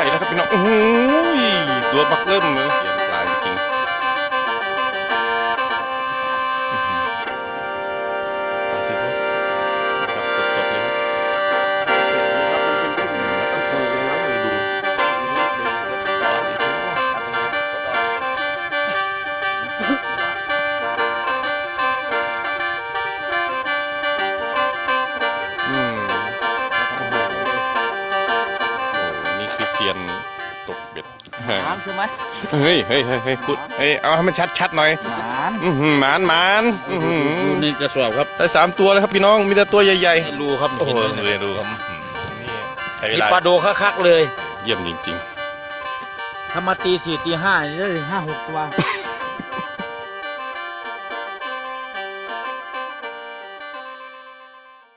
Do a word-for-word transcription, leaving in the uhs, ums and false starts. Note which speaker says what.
Speaker 1: ญ่นะครับพี่น้องโอ้โหตัวบักเริ่มเลยเสียงปลาจริงปลาที่เขาครับสดๆเลยครับเซียนตกเบ็ด
Speaker 2: น้ำใช่ไหม
Speaker 1: เฮ้ยเฮ้ยเฮ้ยเฮ้ยคุณเฮ้ยเอาให้มันชัดชัดหน่อยอืมหมานหมาน
Speaker 2: นี่กระสอบครับ
Speaker 1: ได้สามตัวเลยครับพี่น้องมีแต่ตัวใหญ่
Speaker 2: ๆรูครับ
Speaker 1: โอ้โหดูดูครับ
Speaker 2: นี่ปลาโดคักๆเลย
Speaker 1: เยี่ยมจริง
Speaker 2: ๆถ้ามาตีสี่ตีห้าได้ห้าหกตัว